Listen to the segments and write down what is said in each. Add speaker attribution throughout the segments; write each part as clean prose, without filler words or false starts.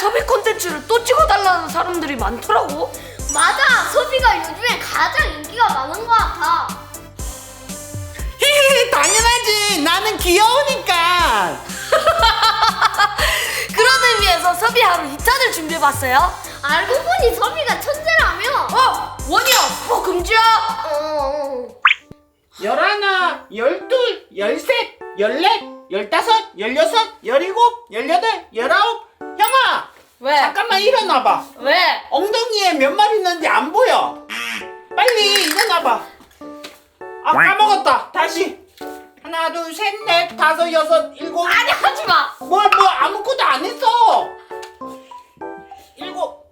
Speaker 1: 섭이 콘텐츠를 또 찍어달라는 사람들이 많더라고.
Speaker 2: 맞아, 섭이가 요즘에 가장 인기가 많은 것 같아.
Speaker 3: 히히, 당연하지. 나는 귀여우니까.
Speaker 1: 그런 의미에서 섭이 하루 2탄을 준비해봤어요.
Speaker 2: 알고 보니 섭이가 천재라며.
Speaker 1: 원이야, 스포 금지야.
Speaker 3: 11, 12, 13, 14, 15, 16, 17, 18, 19. 형아,
Speaker 1: 왜?
Speaker 3: 잠깐만 일어나봐.
Speaker 1: 왜?
Speaker 3: 엉덩이에 몇 마리 있는지 안 보여. 빨리 일어나봐. 아, 까먹었다. 다시. 하나, 둘, 셋, 넷, 다섯, 여섯, 일곱.
Speaker 1: 아니, 하지마.
Speaker 3: 뭐 아무것도 안 했어. 일곱,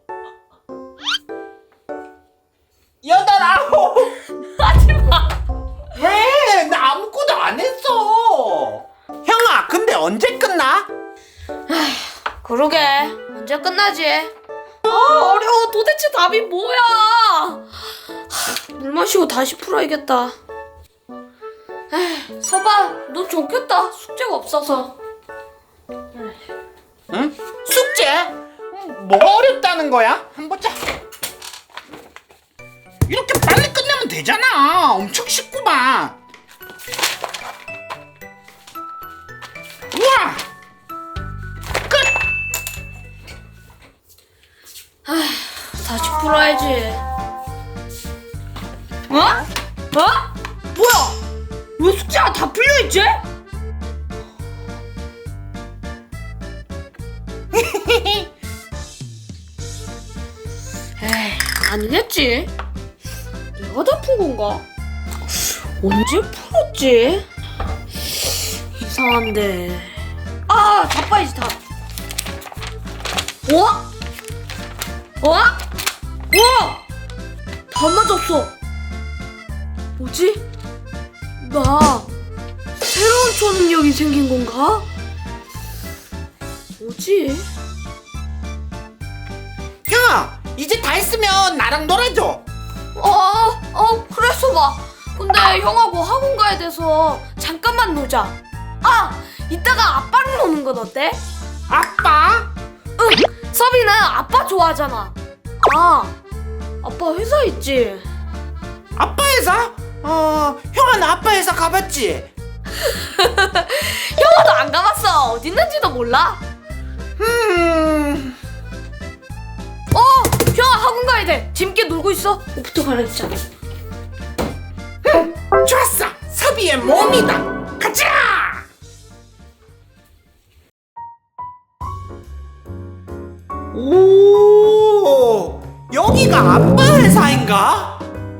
Speaker 3: 여덟, 아홉.
Speaker 1: 하지마.
Speaker 3: 왜? 나 아무것도 안 했어. 형아, 근데 언제 끝나?
Speaker 1: 그러게, 언제 끝나지? 어려워. 도대체 답이 뭐야? 물 마시고 다시 풀어야겠다. 서봐, 너 좋겠다. 숙제가 없어서.
Speaker 3: 응? 숙제? 뭐가 어렵다는 거야? 한번 보자. 이렇게 빨리 끝내면 되잖아. 엄청 쉽구만. 우와! 끝!
Speaker 1: 다시 풀어야지. 어? 뭐야? 왜 숙제가 다 풀려있지? 에이, 아니겠지. 내가 다 푼 건가? 언제 풀었지? 이상한데. 다 빠이지 다. 다 맞았어. 뭐지? 나 새로운 초능력이 생긴 건가? 뭐지?
Speaker 3: 형아, 이제 다 했으면 나랑 놀아줘.
Speaker 1: 그랬어 봐. 근데 형하고 학원 가야 돼서 잠깐만 놀자. 이따가 아빠랑 노는 건 어때?
Speaker 3: 아빠?
Speaker 1: 응, 서비는 아빠 좋아하잖아. 아빠 회사 있지?
Speaker 3: 아빠 회사? 형아, 나 아빠 회사 가봤지?
Speaker 1: 형아도 안 가봤어. 어디 있는지도 몰라. 형아 학원 가야 돼. 재밌게 놀고 있어. 옷부터 갈아입자.
Speaker 3: 좋았어. 섭이의 몸이다. 가자. 오, 여기가 아빠 회사인가?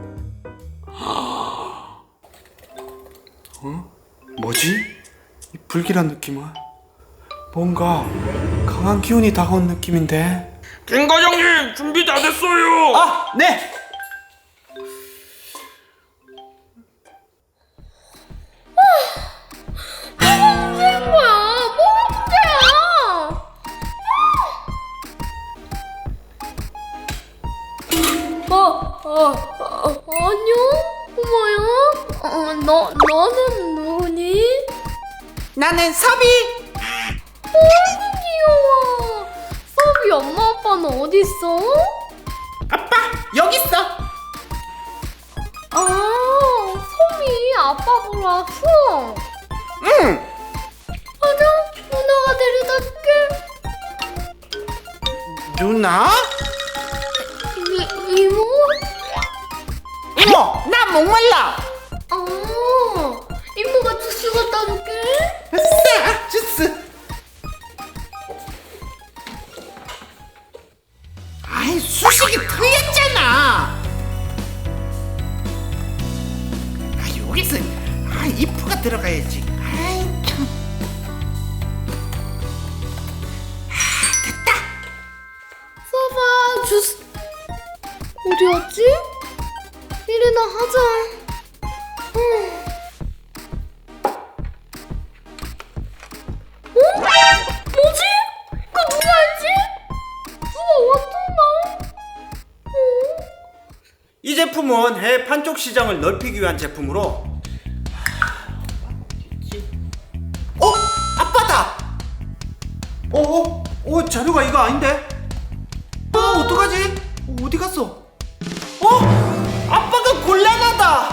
Speaker 3: 뭐지? 이 불길한 느낌은? 뭔가 강한 기운이 다가온 느낌인데.
Speaker 4: 김 과장님 준비 다 됐어요.
Speaker 3: 네.
Speaker 2: 무슨 거야? 뭐가 문제야? 안녕? 꼬마야? 너는 누구니?
Speaker 3: 나는 섭이.
Speaker 2: 아이고 귀여워. 섭이 엄마 아빠는 어디 있어?
Speaker 3: 아빠 여기 있어.
Speaker 2: 섭이 아빠 보러 왔어.
Speaker 3: 응.
Speaker 2: 맞아, 누나가 데려다 줄게.
Speaker 3: 누나?
Speaker 2: 이모?
Speaker 3: 이모, 나 목말라.
Speaker 2: 이모가 주스 갖다 줄게.
Speaker 3: 아싸, 주스. 아이, 수식이 틀렸잖아. 여기서 이프가 들어가야지. 아이 참. 됐다.
Speaker 2: 서봐, 주스 어디 갔지? 이리나 하자. 뭐지? 이거 누가 했지? 누가 왔던가?
Speaker 5: 이 제품은 해외 판촉 시장을 넓히기 위한 제품으로
Speaker 3: 아빠다.
Speaker 5: 자료가 이거 아닌데?
Speaker 3: 어디 갔어? 아빠가 곤란하다.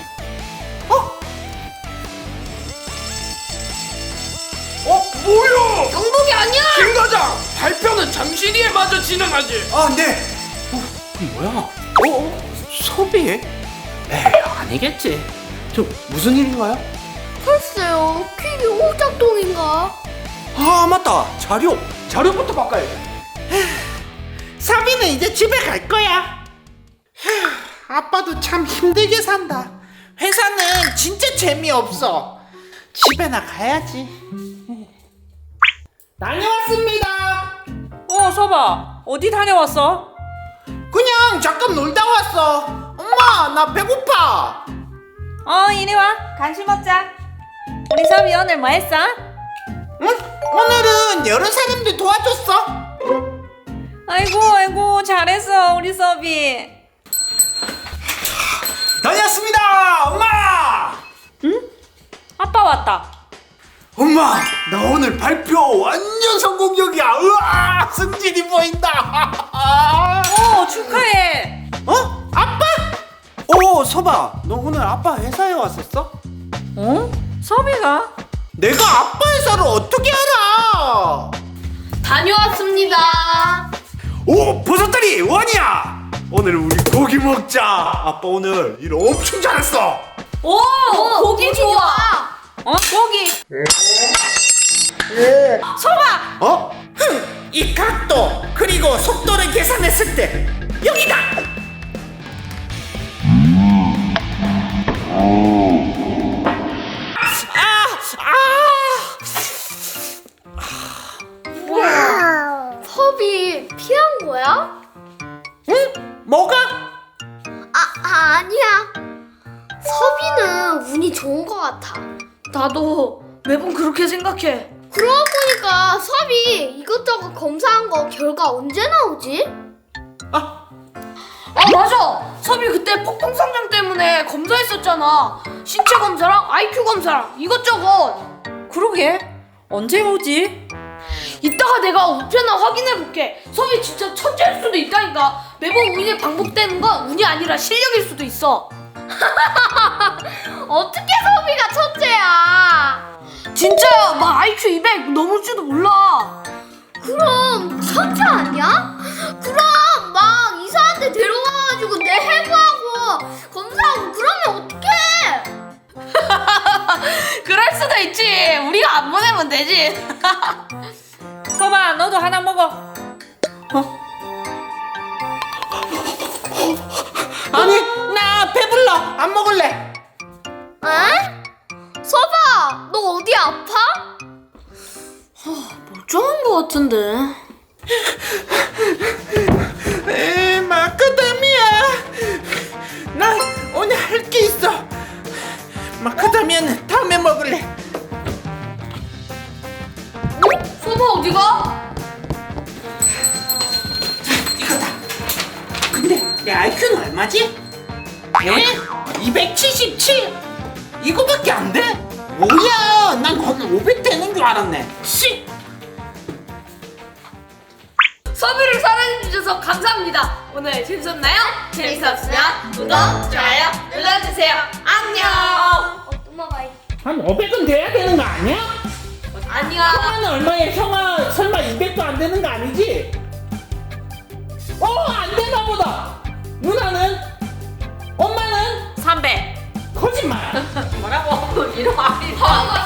Speaker 4: 뭐야?
Speaker 1: 영복이 아니야.
Speaker 4: 김 과장, 발표는 잠시 뒤에 마저 진행하지.
Speaker 5: 아, 네.
Speaker 3: 뭐야? 소비? 에이, 아니겠지. 저 무슨 일인가요?
Speaker 2: 글쎄요, 퀵이 오작동인가?
Speaker 5: 아, 맞다.
Speaker 3: 자료부터 바꿔야지. 사비는 이제 집에 갈 거야. 아빠도 참 힘들게 산다. 회사는 진짜 재미없어. 집에나 가야지. 다녀왔습니다.
Speaker 6: 서봐. 어디 다녀왔어?
Speaker 3: 그냥 잠깐 놀다 왔어. 엄마, 나 배고파.
Speaker 6: 이리 와. 간식 먹자. 우리 섭이 오늘 뭐 했어?
Speaker 3: 응? 오늘은 여러 사람들 도와줬어.
Speaker 6: 아이고, 잘했어, 우리 섭이.
Speaker 5: 다녀왔습니다. 엄마.
Speaker 6: 아빠 왔다.
Speaker 5: 엄마, 나 오늘 발표 완전 성공적이야. 우와, 승진이 보인다.
Speaker 6: 축하해.
Speaker 3: 아빠?
Speaker 5: 서봐. 너 오늘 아빠 회사에 왔었어?
Speaker 6: 섭이가?
Speaker 3: 내가 아빠 회사를 어떻게 알아?
Speaker 1: 다녀왔습니다.
Speaker 5: 버섯다리 원이야. 오늘 우리 고기 먹자. 아빠 오늘 일 엄청 잘했어.
Speaker 1: 오, 고기 좋아.
Speaker 6: 고기. 섭아.
Speaker 3: 이 각도 그리고 속도를 계산했을 때 여기다.
Speaker 2: 섭이 피한 거야?
Speaker 3: 응? 뭐가?
Speaker 2: 아니야. 섭이는 운이 좋은 것 같아.
Speaker 1: 나도 매번 그렇게 생각해.
Speaker 2: 그러고 보니까 섭이 이것저것 검사한 거 결과 언제 나오지?
Speaker 1: 맞아. 섭이 그때 폭풍성장 때문에 검사했었잖아. 신체 검사랑 IQ 검사랑 이것저것.
Speaker 6: 그러게. 언제 오지?
Speaker 1: 이따가 내가 우편을 확인해볼게. 섭이 진짜 천재일 수도 있다니까. 매번 운이 반복되는 건 운이 아니라 실력일 수도 있어.
Speaker 2: 어떻게 섭이가 천재야?
Speaker 1: 진짜야. 막 IQ 200 넘을지도 몰라.
Speaker 2: 그럼 천재 아니야? 그럼 막 이상한 데 데려가가지고 내 해부하고 검사하고 그러면 어떡해?
Speaker 1: 그럴 수도 있지. 우리가 안 보내면 되지.
Speaker 6: 섭아, 너도 하나 먹어.
Speaker 3: 아니, 나 배불러. 안 먹을래.
Speaker 2: 에? 섭아, 너 어디 아파?
Speaker 1: 멀쩡한 거 같은데.
Speaker 3: 마카다미아. 나 오늘 할 게 있어. 마카다미아는 다음에 먹을래.
Speaker 1: 섭아 어디가?
Speaker 3: 이거다. 근데 내 IQ는 얼마지? 277? 이거밖에 안 돼? 뭐야, 난 거의 500 되는 줄 알았네. 씨.
Speaker 1: 섭이를 사랑해주셔서 감사합니다. 오늘 재밌었나요? 재밌었으면 구독, 좋아요 눌러주세요. 안녕.
Speaker 2: 또 먹어야지.
Speaker 3: 한 500은 돼야 되는 거 아니야?
Speaker 1: 아니야.
Speaker 3: 형아는 얼마야? 형아 설마 200도 안 되는 거 아니지? 안 되나 보다. 누나는? 엄마는?
Speaker 6: 300.
Speaker 3: 거짓말.
Speaker 1: 뭐라고? 이름 아니야.